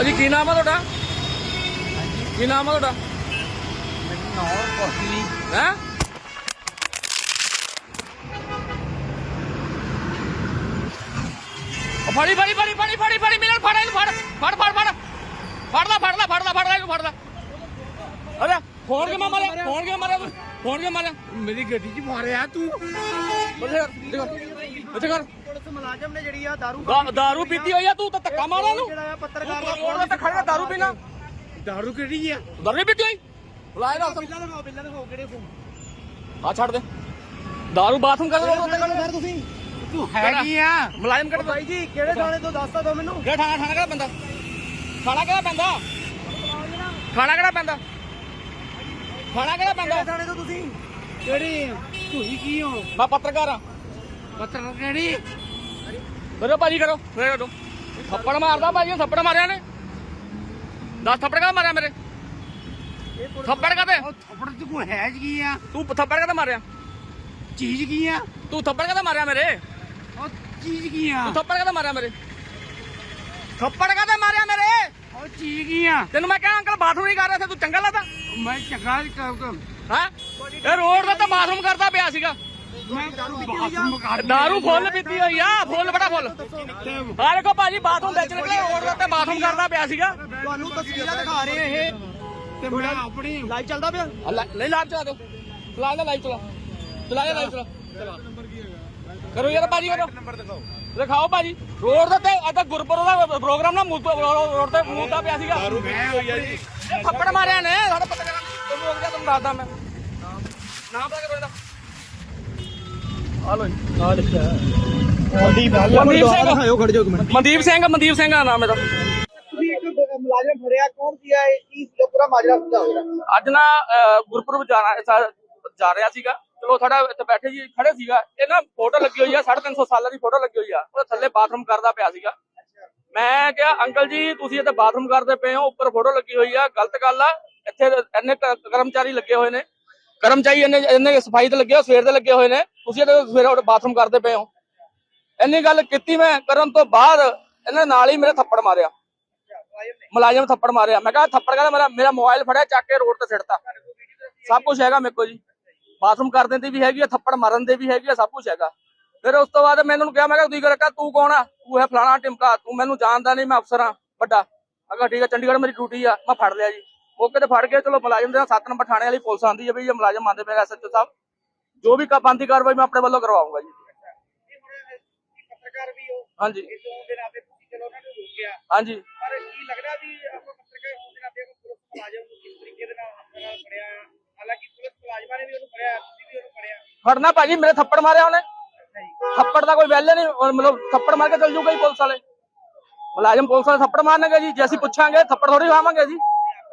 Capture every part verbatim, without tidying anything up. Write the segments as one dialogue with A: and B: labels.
A: ਭਾਜੀ ਕੀ ਨਾਮ ਆ ਤੁਹਾਡਾ? ਕੀ ਨਾਮ ਆ ਤੁਹਾਡਾ?
B: ਮੈਨੂੰ ਨਾ ਕੋਸਲੀ
A: ਹੈ ਫੜੀ ਫੜੀ ਫੜੀ ਫੜੀ ਫੜੀ ਫੜੀ ਮੇਰੇ ਫੜ ਇਹਨੂੰ ਫੜ ਫੜ ਫੜ ਫੜ ਫੜ ਲੈ ਫੜ ਲੈ ਫੜ ਲੈ ਫੜ ਲੈ ਇਹਨੂੰ ਫੜ ਲੈ। ਅਰੇ ਫੋਨ ਕਿਵੇਂ ਮਾਰਿਆ? ਫੋਨ ਕਿਵੇਂ ਮਾਰਿਆ ਤੂੰ? ਫੋਨ ਕਿਵੇਂ ਮਾਰਿਆ?
B: ਮੇਰੀ ਗੱਡੀ 'ਚ ਮਾਰਿਆ ਤੂੰ।
A: ਉੱਥੇ ਕਰ ਉੱਥੇ ਕਰ।
B: ਪੁਲਿਸ ਮੁਲਾਜ਼ਮ ਨੇ ਜਿਹੜੀ ਆ ਦਾਰੂ
A: ਦਾ- ਦਾਰੂ ਪੀਤੀ ਹੋਈ ਆ ਤੂੰ ਤਾਂ ਧੱਕਾ ਮਾਰਾਂ ਨੂੰ।
B: ਜਿਹੜਾ ਆ ਪੱਤਰਕਾਰ ਦਾ
A: ਫੋਨ ਤੇ ਖੜਿਆ ਦਾਰੂ ਪੀਣਾ।
B: ਦਾਰੂ ਕਿਹੜੀ ਆ?
A: ਦਾਰੂ ਨਹੀਂ ਪੀਤੀ ਹੋਈ ਬੁਲਾਏ ਨਾ
B: ਬਿੱਲਾਂ ਦਿਖਾਓ ਬਿੱਲਾਂ ਦਿਖਾਓ ਕਿਹੜੇ ਫੋਨ
A: ਆ ਛੱਡ ਦੇ ਦਾਰੂ ਬਾਥਰੂਮ ਕਰ ਰੋਡ ਉੱਤੇ
B: ਸਰ ਤੁਸੀਂ ਤੂੰ ਹੈਗੀ ਆ
A: ਮੁਲਾਜ਼ਮ ਕੱਢ
B: ਬਾਈ ਜੀ ਕਿਹੜੇ ਥਾਣੇ ਤੋਂ ਦੱਸ ਤਾ ਦੋ ਮੈਨੂੰ।
A: ਕਿਹੜਾ ਥਾਣਾ? ਥਾਣਾ ਕਿਹੜਾ ਪੈਂਦਾ? ਥਾਣਾ ਕਿਹੜਾ ਪੈਂਦਾ? ਥਾਣਾ ਕਿਹੜਾ ਪੈਂਦਾ? ਥਾਣਾ ਕਿਹੜਾ ਪੈਂਦਾ?
B: ਕਿਹੜੇ ਥਾਣੇ ਤੋਂ ਤੁਸੀਂ? ਕਿਹੜੀ ਤੁਸੀਂ ਕੀ ਹੋ?
A: ਮੈਂ ਪੱਤਰਕਾਰ ਆ।
B: ਪੱਤਰਕਾਰ ਕਿਹੜੀ?
A: ਕਰੋ ਭਾਜੀ ਕਰੋ ਮੇਰੇ ਕਰੋ। ਥੱਪੜ ਮਾਰਦਾ ਭਾਜੀ ਥੱਪੜ ਮਾਰਿਆ ਨੇ। ਦਸ ਥੱਪੜ ਕਾ ਮਾਰਿਆ ਮੇਰੇ? ਥੱਪੜ ਕਾਤੇ?
B: ਉਹ ਥੱਪੜ ਚ ਕੋਈ ਹੈ ਕੀ ਆ?
A: ਤੂੰ ਥੱਪੜ ਕਾਤੇ ਮਾਰਿਆ?
B: ਚੀਜ਼ ਕੀ ਆ?
A: ਤੂੰ ਥੱਪੜ ਕਾਤੇ ਮਾਰਿਆ ਮੇਰੇ?
B: ਉਹ ਚੀਜ਼ ਕੀ ਆ?
A: ਤੂੰ ਥੱਪੜ ਕਾਤੇ ਮਾਰਿਆ ਮੇਰੇ? ਥੱਪੜ ਕਾਤੇ ਮਾਰਿਆ ਮੇਰੇ?
B: ਉਹ ਚੀਜ਼ ਕੀ ਆ?
A: ਤੈਨੂੰ ਮੈਂ ਕਿਹਾ ਅੰਕਲ ਬਾਥਰੂਮ ਨਹੀਂ ਕਰ ਰਿਹਾ ਸੀ ਤੂੰ ਚੰਗਾ ਲੱਗਦਾ
B: ਮੈਂ ਚੰਗਾ
A: ਹਾਂ? ਇਹ ਰੋਡ ਦਾ ਤਾਂ ਬਾਥਰੂਮ ਕਰਦਾ ਪਿਆ ਸੀਗਾ।
B: ਮੈਂ ਦਾਰੂ ਪੀਤੀ ਹੋਈ ਆ।
A: ਦਾਰੂ ਫੁੱਲ ਪੀਤੀ ਹੋਈ ਆ ਫੁੱਲ ਬੜਾ ਫੁੱਲ। ਆ ਦੇਖੋ ਭਾਜੀ ਬਾਥਰੂਮ ਵਿੱਚ ਨਿਕਲੇ ਰੋਡ ਦਾ ਤੇ ਬਾਥਰੂਮ ਕਰਦਾ ਪਿਆ ਸੀਗਾ।
B: ਤੁਹਾਨੂੰ ਤਸਵੀਰਾਂ ਦਿਖਾ ਰਹੇ ਆ ਇਹ ਤੇ ਮੈਂ ਆਪਣੀ ਲਾਈਵ ਚੱਲਦਾ ਪਿਆ।
A: ਆ ਲੈ- ਨਹੀਂ ਲਾਈਵ ਚਲਾ ਦਿਓ ਚਲਾ ਲੈ ਲਾਈਵ ਚਲਾ ਚਲਾ ਲੈ ਲਾਈਵ ਚਲਾ ਕਰੋ ਯਾਰ ਭਾਜੀ ਕਰੋ
B: ਨੰਬਰ ਦਿਖਾਓ।
A: ਦਿਖਾਓ ਭਾਜੀ ਰੋਡ ਦੇ ਤੇ ਅੱਜ ਗੁਰਪੁਰਬ ਦਾ ਪ੍ਰੋਗਰਾਮ ਨਾ ਰੋਡ ਤੇ ਮੂਦਾ ਪਿਆ ਸੀਗਾ।
B: ਦਾਰੂ ਪੀਤੀ ਹੋਈ ਆ ਜੀ।
A: ਇਹ ਥੱਪੜ ਮਾਰਿਆ ਨੇ ਸਾਡੇ ਪਤਾ ਕਰਾਂ ਤੁਹਾਨੂੰ ਰੁਕ ਜਾ ਤੁਹਾਨੂੰ ਦੱਸਦਾ ਮੈਂ ਨਾਮ ਪਤਾ ਕਰੋ ਇਹਦਾ। ਆ ਲੋ
B: ਆ ਲਿਖਿਆ ਮਨਦੀਪ
A: ਮਨਦੀਪ ਸਿੰਘ
B: ਦਿਖਾਓ ਖੜ ਜਾਓ ਇੱਕ ਮਿੰਟ।
A: ਮਨਦੀਪ ਸਿੰਘ ਮਨਦੀਪ ਸਿੰਘ ਦਾ ਨਾਮ ਇਹਦਾ।
B: ਤੁਸੀਂ ਇੱਕ ਮੁਲਾਜ਼ਮ ਫੜਿਆ ਕੌਣ ਸੀ ਆ ਇਹ ਕੀ ਸੀ ਪੂਰਾ ਮਾਜਰਾ ਸਮਝਾਓ।
A: ਅੱਜ ਨਾ ਅਹ, ਗੁਰਪੁਰਬ ਜਾਣਾ ਸਾ- ਜਾ ਰਿਹਾ ਸੀਗਾ। ਚਲੋ ਸਾਡਾ ਇੱਥੇ ਬੈਠੇ ਜੀ ਖੜੇ ਸੀਗਾ ਇਹ ਨਾ ਫੋਟੋ ਲੱਗੀ ਹੋਈ ਆ ਸਾਢੇ ਤਿੰਨ ਸੌ ਸਾਲਾਂ ਦੀ ਫੋਟੋ ਲੱਗੀ ਹੋਈ ਆ ਉਹਦੇ ਥੱਲੇ ਬਾਥਰੂਮ ਕਰਦਾ ਪਿਆ ਸੀਗਾ। ਮੈਂ ਕਿਹਾ ਅੰਕਲ ਜੀ ਤੁਸੀਂ ਇੱਥੇ ਬਾਥਰੂਮ ਕਰਦੇ ਪਏ ਹੋ ਉੱਪਰ ਫੋਟੋ ਲੱਗੀ ਹੋਈ ਆ ਗਲਤ ਗੱਲ ਆ। ਇੱਥੇ ਇੰਨੇ ਕ- ਕਰਮਚਾਰੀ ਲੱਗੇ ਹੋਏ ਨੇ ਕਰਮਚਾਰੀ ਇੰਨੇ ਇੰਨੇ ਸਫਾਈ ਤੇ ਲੱਗੇ ਹੋ ਸਵੇਰ ਦੇ ਲੱਗੇ ਹੋਏ ਨੇ ਤੁਸੀਂ ਇੱਥੇ ਸਵੇਰੇ ਬਾਥਰੂਮ ਕਰਦੇ ਪਏ ਹੋ। ਇੰਨੀ ਗੱਲ ਕੀਤੀ ਮੈਂ ਕਰਨ ਤੋਂ ਬਾਅਦ ਇਹਨੇ ਨਾਲ ਹੀ ਮੇਰੇ ਥੱਪੜ ਮਾਰਿਆ ਮੁਲਾਜ਼ਮ ਥੱਪੜ ਮਾਰਿਆ। ਮੈਂ ਕਿਹਾ ਥੱਪੜ ਕਹਿੰਦਾ ਮੇਰਾ ਮੇਰਾ ਮੋਬਾਈਲ ਫੜਿਆ ਚੱਕ ਕੇ ਰੋਡ ਤੇ ਸਿੱਟਤਾ। ਸਭ ਕੁਝ ਹੈਗਾ ਮੇਰੇ ਕੋਲ ਜੀ ਬਾਥਰੂਮ ਕਰਨ ਦੀ ਵੀ ਹੈਗੀ ਆ ਥੱਪੜ ਮਾਰਨ ਦੇ ਵੀ ਹੈਗੀ ਆ ਸਭ ਕੁਝ ਹੈਗਾ। ਫਿਰ ਉਸ ਤੋਂ ਬਾਅਦ ਮੈਂ ਇਹਨਾਂ ਨੂੰ ਕਿਹਾ ਮੈਂ ਕਿਹਾ ਤੁਸੀਂ ਕਿਹਾ ਤੂੰ ਕੌਣ ਆ? ਤੂੰ ਹੈ ਫਲਾਣਾ ਟਿਮਕਾ ਤੂੰ ਮੈਨੂੰ ਜਾਣਦਾ ਨਹੀਂ ਮੈਂ ਅਫਸਰ ਆ ਵੱਡਾ। ਮੈਂ ਕਿਹਾ ਠੀਕ ਆ ਚੰਡੀਗੜ੍ਹ ਮੇਰੀ ਡਿਊਟੀ ਆ ਮੈਂ ਫੜ ਲਿਆ ਜੀ ਮੌਕੇ ਤੇ ਫੜ ਕੇ ਚਲੋ ਮੁਲਾਜ਼ਮ ਦੇ ਸੱਤ ਨੰਬਰ ਥਾਣੇ ਵਾਲੀ ਪੁਲਿਸ ਆਂਦੀ ਹੈ ਵੀ ਇਹ ਮੁਲਾਜ਼ਮ ਆਂਦੇ ਪਏ ਐਸ ਐਚ ਓ ਸਾਹਿਬ ਜੋ ਵੀ ਬੰਦੀ ਕਾਰਵਾਈ ਮੈਂ ਆਪਣੇ ਵੱਲੋਂ ਕਰਵਾਉਂਗਾ ਜੀ।
B: ਪੱਤਰਕਾਰ ਵੀ ਹੋ
A: ਹਾਂਜੀ
B: ਇਸ ਹੋਣ ਦੇ ਨਾਤੇ ਤੁਸੀਂ ਚਲੋ ਉਹਨਾਂ ਨੂੰ ਰੋਕਿਆ
A: ਹਾਂਜੀ
B: ਪਰ ਕੀ ਲੱਗਦਾ ਵੀ ਆਪਾਂ ਪੱਤਰਕਾਰ ਹੋਣ ਦੇ ਨਾਤੇ ਆਪਾਂ ਪੁਲਿਸ ਮੁਲਾਜ਼ਮ ਨੂੰ ਕਿਸ ਤਰੀਕੇ ਦੇ ਨਾਲ ਹੱਥ ਨਾਲ ਫੜਿਆ ਹਾਲਾਂਕਿ ਪੁਲਿਸ ਮੁਲਾਜ਼ਮਾਂ ਨੇ ਵੀ ਉਹਨੂੰ ਫੜਿਆ ਤੁਸੀਂ ਵੀ ਉਹਨੂੰ ਫੜਿਆ।
A: ਫੜਨਾ ਭਾਜੀ ਮੇਰੇ ਥੱਪੜ ਮਾਰਿਆ ਉਹਨੇ ਥੱਪੜ ਦਾ ਕੋਈ ਵੈਲਿਊ ਨਹੀਂ ਮਤਲਬ ਥੱਪੜ ਮਾਰ ਕੇ ਚੱਲ ਜੂਗਾ ਹੀ ਪੁਲਿਸ ਵਾਲੇ ਮੁਲਾਜ਼ਮ ਪੁਲਿਸ ਵਾਲੇ ਥੱਪੜ ਮਾਰਨਗੇ ਜੀ ਜੇ ਅਸੀਂ ਪੁੱਛਾਂਗੇ ਥੱਪੜ ਥੋੜੀ ਖਾਵਾਂਗੇ ਜੀ।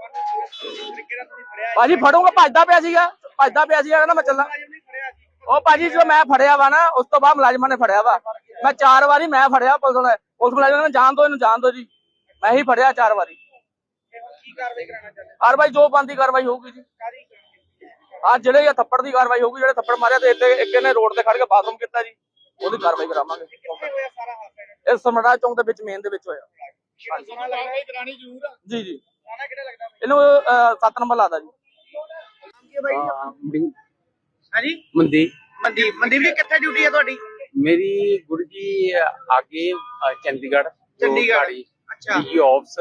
A: ਭਾਜੀ ਫੜੂਗਾ ਭੱਜਦਾ ਪਿਆ ਸੀਗਾ ਭੱਜਦਾ ਪਿਆ ਸੀਗਾ ਕਹਿੰਦਾ ਮੈਂ ਚੱਲਾਂ। ਉਹ ਭਾਜੀ ਜੋ ਮੈਂ ਫੜਿਆ ਵਾ ਨਾ ਉਸ ਤੋਂ ਬਾਅਦ ਮੁਲਾਜ਼ਮਾਂ ਨੇ ਫੜਿਆ ਵਾ ਮੈਂ ਚਾਰ ਵਾਰੀ ਮੈਂ ਫੜਿਆ ਪੁਲਿਸ ਵਾਲੇ ਪੁਲਿਸ ਮੁਲਾਜ਼ਮਾਂ ਨੇ ਜਾਣ ਦੋ ਇਹਨੂੰ ਜਾਣ ਦੋ ਜੀ ਮੈਂ ਹੀ ਫੜਿਆ ਚਾਰ ਵਾਰੀ।
B: ਕੀ ਕਾਰਵਾਈ ਕਰਾਉਣਾ ਚਾਹੁੰਦੇ
A: ਹਰ ਭਾਈ ਜੋ ਬੰਦੀ ਕਾਰਵਾਈ ਹੋਊਗੀ ਜੀ ਆ ਜਿਹੜੇ ਇਹ ਥੱਪੜ ਦੀ ਕਾਰਵਾਈ ਹੋਊਗੀ ਜਿਹੜੇ ਥੱਪੜ ਮਾਰਿਆ ਤੇ ਇੱਥੇ ਇੱਕ ਇਹਨੇ ਰੋਡ ਤੇ ਖੜ ਕੇ ਬਾਥਰੂਮ ਕੀਤਾ ਜੀ ਉਹਦੀ ਕਾਰਵਾਈ ਕਰਾਵਾਂਗੇ।
B: ਕਿੱਥੇ ਹੋਇਆ ਸਾਰਾ ਹਾਦਸਾ?
A: ਇਹ ਸਮੜਾ ਚੌਂਕ ਦੇ ਵਿੱਚ ਮੇਨ ਦੇ ਵਿੱਚ ਹੋਇਆ
B: ਸੋਨਾ ਲੱਗਦਾ ਹੈ ਦਰਾਣੀ ਜ਼ਰੂਰ ਆ
A: ਜੀ ਜੀ
B: ਸੋਨਾ ਕਿਹੜਾ ਲੱਗਦਾ
A: ਇਹਨੂੰ ਅਹ, ਸੱਤ ਨੰਬਰ ਲਾਦਾ ਜੀ।
B: ਕੀ ਬਾਈ ਹਾਂਜੀ
C: ਮਨਦੀਪ
B: ਮਨਦੀਪ ਮਨਦੀਪ ਜੀ ਕਿੱਥੇ ਡਿਊਟੀ ਹੈ ਤੁਹਾਡੀ?
C: ਮੇਰੀ ਗੁਰੂ ਜੀ ਆਗੇ ਅ, ਚੰਡੀਗੜ੍ਹ ਜੋ
B: ਚੰਡੀਗੜ੍ਹ।
C: ਗਾੜੀ
B: ਅੱਛਾ।
C: ਡੀ ਆਫਸ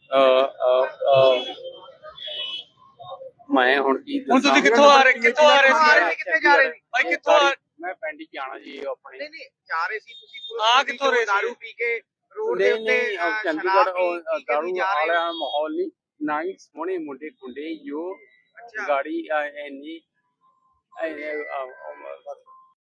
C: ਮੈਂ ਹੁਣ ਕੀ
A: ਹੁਣ ਤੁਸੀਂ ਕਿੱਥੋਂ ਆ ਰਹੇ ਕਿੱਥੋਂ ਆ ਰਹੇ ਸੀ
B: ਕਿੱਥੇ ਜਾ ਰਹੇ ਸੀ?
A: ਭਾਈ ਕਿੱਥੋਂ ਆ
C: ਮੈਂ ਪਿੰਡ ਹੀ ਜਾਣਾ ਜੀ ਆਪਣੇ
B: ਨਹੀਂ ਨਹੀਂ ਜਾ ਰਹੇ ਸੀ ਤੁਸੀਂ ਪੁਲਿਸ
A: ਆ
B: ਗੱਡੀ
A: ਕਿੱਥੋਂ ਰਹੇ ਸੀ?
B: ਦਾਰੂ ਪੀ ਕੇ ਰੋਡ ਦੇ
C: ਨਹੀਂ
B: ਉੱਤੇ
C: ਨਹੀਂ
B: ਅਹ,
C: ਅ, ਚੰਡੀਗੜ੍ਹ
B: ਸ਼ਰਾਬ
C: ਉਹ,
B: ਪੀ-
C: ਅ,
B: ਪੀ ਕੇ
C: ਦਾਰੂ
B: ਤੁਸੀਂ ਜਾ ਰਹੇ
C: ਵਾਲਾ ਮਾਹੌਲ ਨਹੀਂ ਨਾ ਹੀ ਸੋਹਣੇ ਮੁੰਡੇ ਕੁੰਡੇ ਜੋ
B: ਅੱਛਾ।
C: ਗਾੜੀ ਅ, ਇੰਨੀ ਅ, ਅ, ਅ,